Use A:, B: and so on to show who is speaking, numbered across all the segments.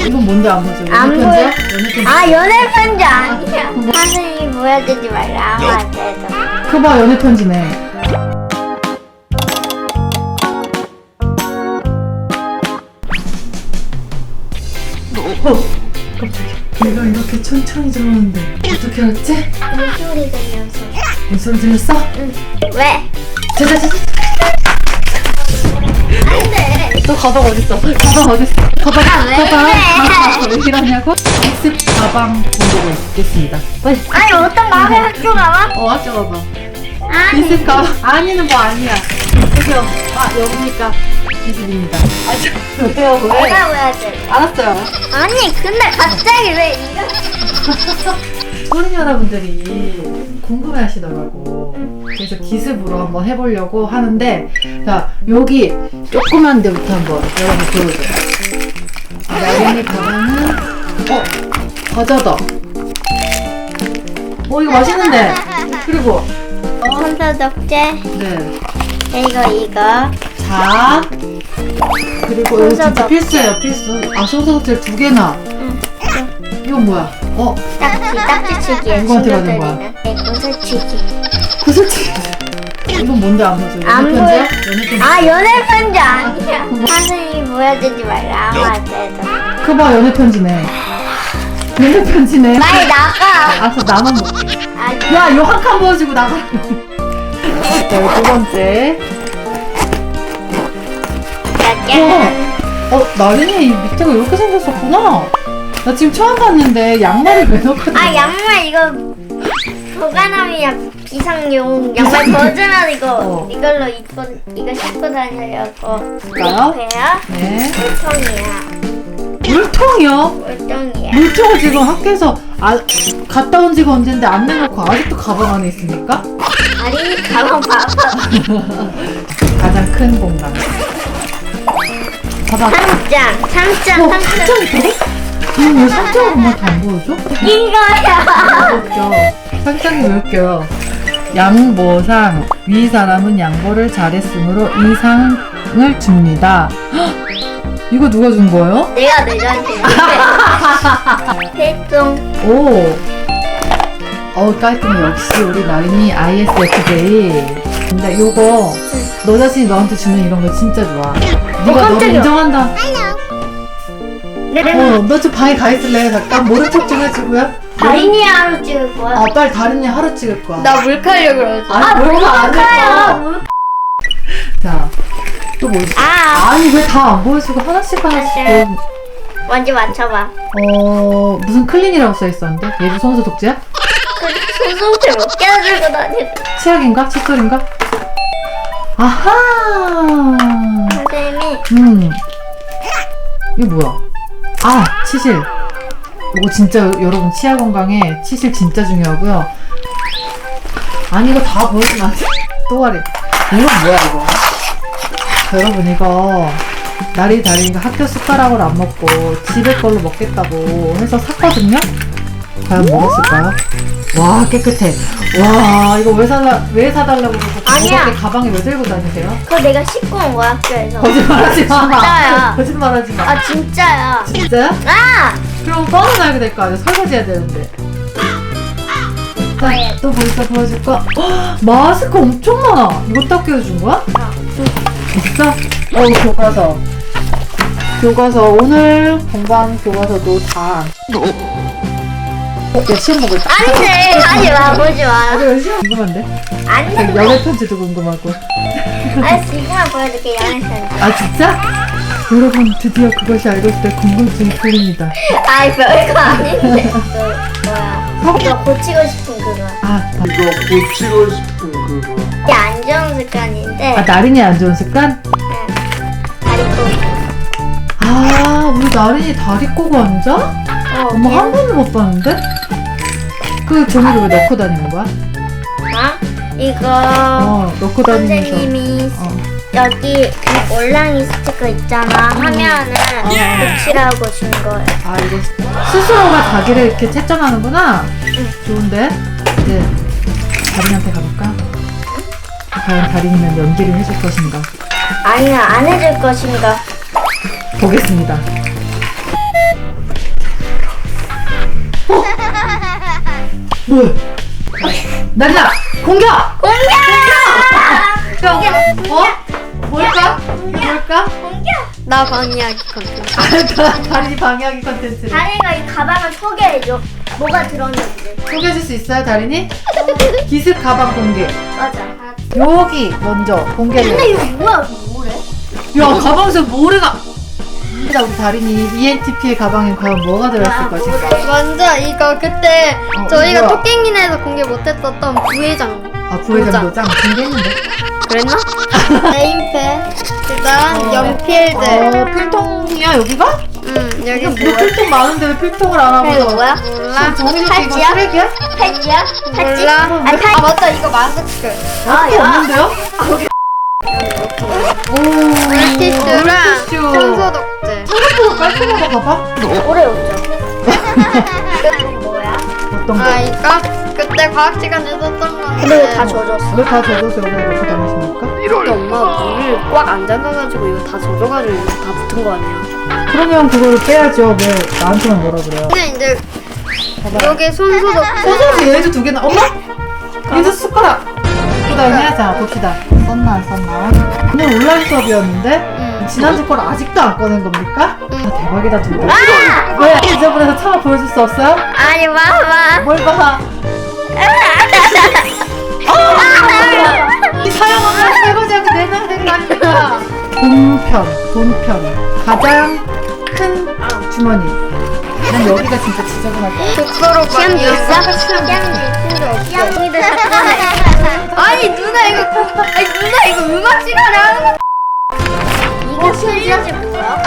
A: 이건 뭔데 안 보죠?
B: 안
A: 연애 편지야? 연애 편지.
B: 아, 연애 편지 아니야. 선생님이 보여주지 말라. 아무 안 돼도.
A: 그거 봐, 연애 편지네. 깜짝이야. 내가 이렇게 천천히 들어오는데 어떻게 알았지?
B: 물소리 들려서.
A: 무슨 소리 들렸어?
B: 응. 왜?
A: 자자자.
B: 안 돼.
A: 너 가방 어딨어? 가방 어딨어? 가방
B: 왜
A: 가방
B: 그래?
A: 왜 이러냐고? 학습 가방 공부를 있겠습니다. 빨리.
B: 아니, 어떤 마음의 학교 가봐?
A: 학교 가봐.
B: 아니.
A: 있을 가방. 아니는 뭐 아니야. 그죠? 아 여기니까 이 집입니다. 아 왜요 왜?
B: 내가 왜 돼?
A: 알았어요.
B: 아니, 근데 갑자기 왜 이거?
A: 소린 여러분들이 궁금해하시더라고. 그래서 기습으로 한번 해보려고 하는데, 자 여기 조그만 데부터 한번 여러분 보여줘요. 나린이 가방은 과자다. 이거 맛있는데. 그리고
B: 손소 독재.
A: 네.
B: 이거.
A: 자 그리고 이거 진짜
B: 손소독제.
A: 필수예요 필수. 아 손소독제 2개나.
B: 응.
A: 이건 뭐야?
B: 딱지치기에
A: 누구한테 받은 거야?
B: 친구들이는 구슬치기.
A: 구슬치기. 이건 뭔데 안 보죠?
B: 안
A: 연애
B: 보여.
A: 편지야? 연애 편지.
B: 아, 연애 편지 아니야. 선생님이 보여주지 말라. 아무 안 돼도.
A: 그거 봐 연애 편지네. 연애 편지네.
B: 빨리 나가.
A: 알았어 나만 먹게.
B: 아니.
A: 야 이거 한 칸 보여주고 나가. 자 여기 두 번째. 나린이 이 밑에가 이렇게 생겼었구나. 나 지금 처음 봤는데 양말을 왜 넣고?
B: 아, 양말 이거 보관함이야. 비상용 양말 벗으면 이거 이걸로 입고 이거 신고 다니려고.
A: 볼까요?
B: 배야?
A: 네.
B: 물통이야.
A: 물통이요?
B: 물통이야.
A: 물통을 지금 학교에서 갔다 온 지가 언젠데 안 내놓고 아직도 가방 안에 있습니까?
B: 아린이 가방 봐봐.
A: 가장 큰 공간. 봐봐.
B: 상장.
A: 상장이 돼? 왜 상장을 엄마한테 안 보여줘?
B: 이거야.
A: 웃겨. 상장이 왜 웃겨요? 양보상. 위 사람은 양보를 잘했으므로 이 상을 줍니다. 헉! 이거 누가 준 거예요?
B: 내가 내자한테 대충.
A: 오. 깔끔해. 역시 우리 나린이 ISFJ. 근데 요거 너 자신이 너한테 주는 이런 거 진짜 좋아. 네가 너를
B: 깜짝이야.
A: 인정한다.
B: 네.
A: 너 좀 방에 가 있을래? 잠깐 모른 척 좀 해주고요.
B: 다린이 하루 찍을 거야.
A: 빨리 다린이 하루 찍을 거야.
B: 나 물칼려 그러지.
A: 뭘까 안
B: 물칼요.
A: 했어. 자, 또 뭐 있어?
B: 아,
A: 아니 왜 다 안 보여주고 하나씩 좀.
B: 먼저 맞춰봐.
A: 무슨 클린이라고 써 있었는데? 얘도 손수 독재야?
B: 그 손소태 몇 개나 들고 다니.
A: 치약인가? 칫솔인가? 아하.
B: 선생님이
A: 이거 뭐야? 치실. 이거 진짜 여러분 치아 건강에 치실 진짜 중요하고요. 아니 이거 다 보여주면 안 돼. 또아리. 이건 뭐야 이거? 여러분 이거 다린이가 학교 숟가락으로 안 먹고 집에 걸로 먹겠다고 해서 샀거든요? 과연 먹었을까요? 와 깨끗해. 와 이거 왜 사달라고 그러고
B: 아니야.
A: 무겁게 가방에 왜 들고 다니세요?
B: 그거 내가 씻고 온 거야, 학교에서.
A: 거짓말하지 마.
B: 진짜야.
A: 거짓말하지 마.
B: 아, 진짜야.
A: 진짜야?
B: 아!
A: 그럼 꺼내놔야 될 거 아니야. 설거지해야 되는데. 자, 또 뭐 있어 보여줄 거? 헉, 마스크 엄청 많아. 이것도 학교에서 준 거야? 진짜? 교과서. 교과서 오늘 공부한 교과서도 다. 야 시험 보고 있다.
B: 안 돼. 하지 마, 보지 마.
A: 왜 시험 궁금한데?
B: 안 돼.
A: 연애 편지도 궁금하고.
B: 알았어, 이거만 보여줄게, 연애 편지.
A: 진짜? 여러분 드디어 그것이 알고 있을 때 궁금증이 풀립니다.
B: 아이, 별거 아닌데. 뭐야. 이거 고치고 싶은 그거.
C: 이거 고치고 싶은 그거.
B: 이게 안 좋은 습관인데.
A: 나린이 안 좋은 습관?
B: 다리 꼬기.
A: 우리 나린이 다리 꼬고 앉아? 엄마 한 번도 못 봤는데? 그 종이를 왜 넣고 다니는 거야?
B: 이거
A: 넣고 다니면서.
B: 선생님이 여기 올랑이 스티커 있잖아. 하면은 고치라고 준 거예요.
A: 이거 스스로가 자기를 이렇게 채점하는구나? 좋은데? 이제 다린이한테 가볼까? 과연 다린이는 연기를 해줄 것인가?
B: 아니야, 안 해줄 것인가.
A: 보겠습니다. 뭐야? 날라 공격!
B: 공격!
A: 어? 뭘까? 뭘까?
D: 나 방해하기 컨텐츠.
A: 다리 방해하기 컨텐츠를
B: 다리가 이 가방을 소개해줘. 뭐가 들었는지.
A: 소개해줄 수 있어요, 다리니? 기습 가방 공개.
B: 맞아.
A: 여기 먼저 공개를.
B: 근데 이거 뭐야? 뭐래?
A: 야, 가방에서 모래가. 우리 다리니 ENTP의 가방에 과연 뭐가 들었을 것인가?
D: 먼저 이거 그때 저희가
A: 뭐야?
D: 토깽이네에서 공개 못했었던 부회장.
A: 아, 부회장 도장 공개했는데.
D: 그랬나? 네임펜. 그다음 연필들.
A: 필통이야 여기가?
D: 여기
A: 너 필통 많은데 왜 필통을 안 하고?
B: 이거 뭐야?
D: 몰라.
A: 정민이 이거
B: 팔찌야?
A: 쓰레기야?
B: 팔찌야? 팔찌?
D: 몰라.
B: 아,
D: 아 맞다 이거 마스크.
B: 아,
A: 필요
B: 야.
A: 없는데요? 오,
D: 물티슈랑
A: 물티슈.
D: 청소독제.
A: 생각보다 깔끔하다 봐봐.
B: 오래 웃죠. 이거 뭐야?
A: 어떤 거?
D: 아 이거 그때 과학 시간에 썼던 건데.
B: 근데 왜 다 젖었어?
A: 왜 다 젖어서 여기 놓고 다니십니까?
D: 근데 엄마가 물을 꽉 안 잠가가지고 이거 다 젖어가지고 이거 다 붙은 거 아니야?
A: 그러면 그거를 빼야죠. 왜 나한테만 뭐라 그래요?
D: 근데 이제
A: 봐봐.
D: 여기 손소독제.
A: 소소지 얘도 두 개나. 엄마? 얘도 숟가락. 그 다음에 자 봅시다. 썼나 안 썼나? 오늘 온라인 수업이었는데 지난주 걸 아직도 안 꺼낸 겁니까? 아, 대박이다 진짜. 왜 지저분해서 차마 보여줄 수 없어요?
B: 아니, 봐봐.
A: 뭘 봐? 이 사용하면 설거지하고 내놔야 되는 거 아닙니까? 본편 가장 큰 주머니. 난 여기가 진짜 지저분할 거야.
D: 독서로
B: 시험지 있어?
D: 시험지
B: 시험지들 다 꺼내.
D: 아니 누나 이거 음악 시간에 하는 거.
B: 이거 시험지 뭐야?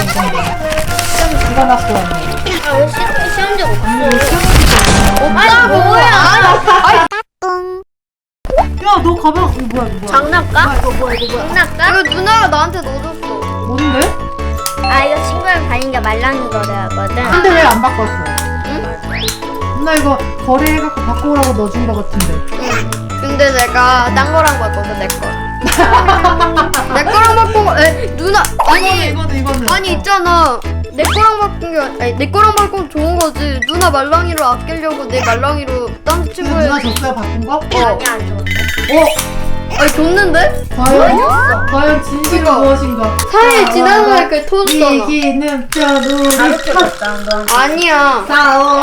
A: 누가 낳고 왔네.
B: 아, 왜 시험지 없어?
D: 오빠 뭐야?
A: 야, 너 가방 이거 뭐야? 이거 뭐야?
B: 장난감?
A: 이거 뭐야? 이거 뭐야?
B: 장난감?
D: 이거 누나가 나한테 넣어줬어.
A: 뭔데?
B: 아, 이거 친구랑 다니니까 말랑이 거래하거든.
A: 근데 왜 안 바꿨어? 나 이거 거래해갖고 바꿔오라고 넣어준 거 같은데.
D: 근데 내가 딴 거랑 바꿔서 내 거. 내 거랑 바꿔. 누나
A: 이거는.
D: 아니 있잖아. 내 거랑 바꾼 게 아니 내 거랑 바꾼 좋은 거지. 누나 말랑이로 아끼려고 내 말랑이로 딴
A: 이거
D: 친구에.
A: 누나 줬어요? 바꾼 거?
B: 아니, 안 줘.
D: 아니 줬는데?
A: 과연 진실은
D: 이거.
A: 무엇인가?
D: 4일 지나서 그 터졌잖아.
A: 이기는 뼈도
B: 줬다, 너.
D: 아니야.
A: 싸워.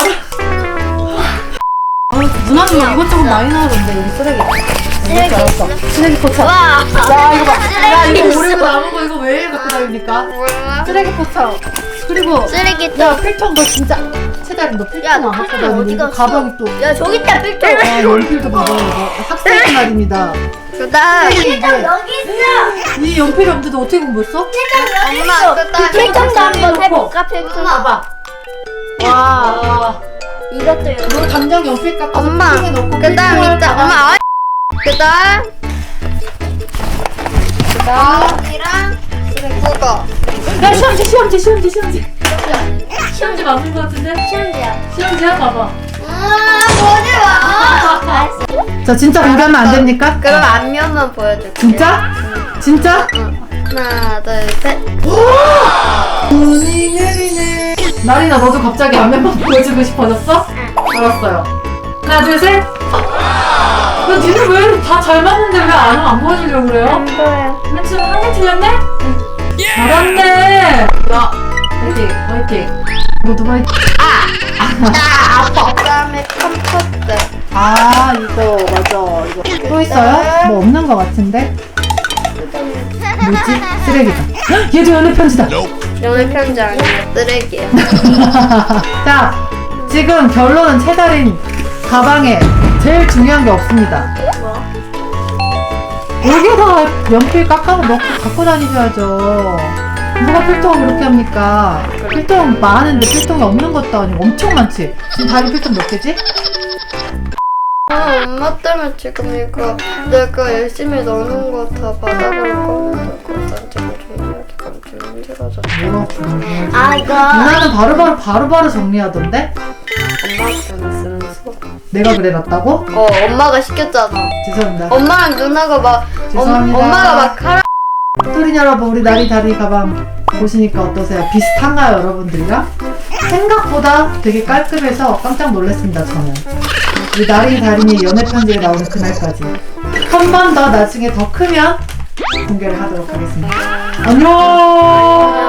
A: 누나는 막 이것저것 많이 나오던데 여기 쓰레기.
B: 쓰레기
A: 알았어. 쓰레기 포차.
B: 와,
A: 야 이거 봐. 야 이거
B: 쓰레기
A: 모르고
B: 있어.
A: 남은 거 이거 왜 갖고 다닙니까?
D: 몰라.
A: 쓰레기 포차. 그리고
B: 쓰레기
A: 야 필통 너 진짜 최다리 너 필통
B: 야, 너
A: 안 갖고
B: 필통 어디
A: 다니는데 이거
B: 갔어?
A: 가방이 또.
B: 야, 저기 있다, 필통.
A: 아 연필도 봐봐요 이거 학생 날입니다.
D: 그다음
B: 필통 여기 있어.
A: 이 연필이 없는데 어떻게 공부했어?
B: 필통 여기
D: 엄마,
B: 있어.
D: 그다음에
B: 필통도 한번
A: 놓고.
B: 해볼까, 필통?
A: 봐봐. 와.
B: 이것도 여기.
A: 너 당장 연필 깎아서
D: 엄마.
A: 필통에 넣고
D: 그다음
A: 필통을
D: 있자.
A: 가방-
D: 엄마 아. 그다음 그다음이랑 국어.
A: 야 시험지 시험지 맞는 거 같은데?
B: 시험지야.
A: 시험지야 봐봐.
D: 보지 마.
B: 알았어.
A: 자 진짜 공개하면 안 됩니까?
D: 그럼 앞면만 보여줄게.
A: 진짜? 진짜?
D: 하나, 둘, 셋.
A: 눈이 내리네. 나리나 너도 갑자기 앞면만 보여주고 싶어졌어? 알았어요. 하나 둘 셋. 너 니네 왜 다 잘 맞는데 왜 안 보여주려고 그래요?
B: 보여.
A: 맨 처음 한개 틀렸네? 잘했네. 야 화이팅. 너도 화이팅.
D: 그다음에 컴포트.
A: 아 이거 맞아 이거 또 있어요? 뭐 없는 거 같은데? 뭐지? 쓰레기다. 헉, 얘도 연애 편지다.
D: 연애 편지 아니야. 쓰레기야.
A: 자 지금 결론은 채달인 가방에 제일 중요한 게 없습니다. 여기다 연필 깎아서 넣고 갖고 다니셔야죠. 누가 필통을 그렇게 합니까? 필통 많은데 필통이 없는 것도 아니고 엄청 많지. 지금 다리 필통 몇 개지?
D: 엄마 때문에 지금 이거 내가 열심히 넣는 거 다 바닥으로 꺼내놓고 난 지금 정리하기가 좀 힘들어졌어.
A: 뭐라고 정리해야지.
B: 아, 이거.
A: 누나는 바로바로 정리하던데?
D: 엄마한테는 쓰는 수업.
A: 내가 그래놨다고?
D: 엄마가 시켰잖아.
A: 죄송합니다.
D: 엄마랑 누나가 막
A: 죄송합니다.
D: 엄마가 막 카라.
A: 토린 여러분 우리 나리 다리 가방 보시니까 어떠세요? 비슷한가요 여러분들이랑? 생각보다 되게 깔끔해서 깜짝 놀랐습니다, 저는. 우리 나린이 다린이 연애 편지에 나오는 그날까지. 한 번 더 나중에 더 크면 공개를 하도록 하겠습니다. 안녕!